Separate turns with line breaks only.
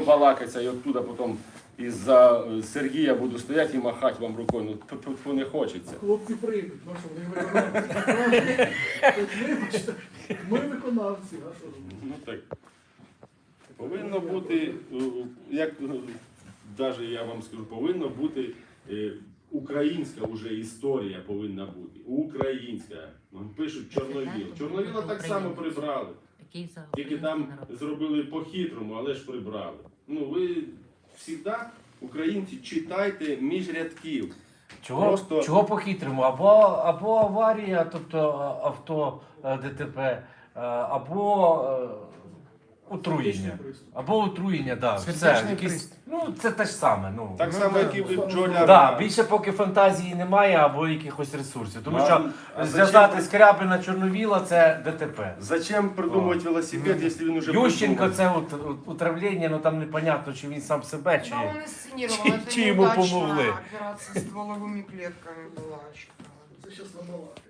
балакатися, і оттуда потім із-за Сергія буду стояти і махати вам рукою. Ну, не хочеться.
Хлопці прийдуть, ну що, вони виконавці. Вибачте, ми виконавці, а що ж?
Ну так. Повинно бути, як навіть я вам скажу, повинна бути українська вже історія повинна бути. Українська. Пишуть Чорновіл. Чорновіла так само прибрали. Тільки там зробили по-хитрому, але ж прибрали. Ну ви завжди, українці, читайте між рядків.
Чого по-хитрому? Або аварія, тобто авто ДТП, або отруєння. Або отруєння, так. Ну, це те ж саме. Ну.
Так само, як і бджоляр.
Да, більше поки фантазії немає, або якихось ресурсів. Тому що зв'язати Скрябина Чорновіла – це ДТП.
Зачем придумувати велосипед, якщо він уже
Ющенко
придумав?
це отравлення, ну там непонятно, чи він сам себе, чи...
Да, он инсценировал. Это
Чи ему
неудачная
помогли?
операция с стволовыми клетками была.
Це зараз набалакає.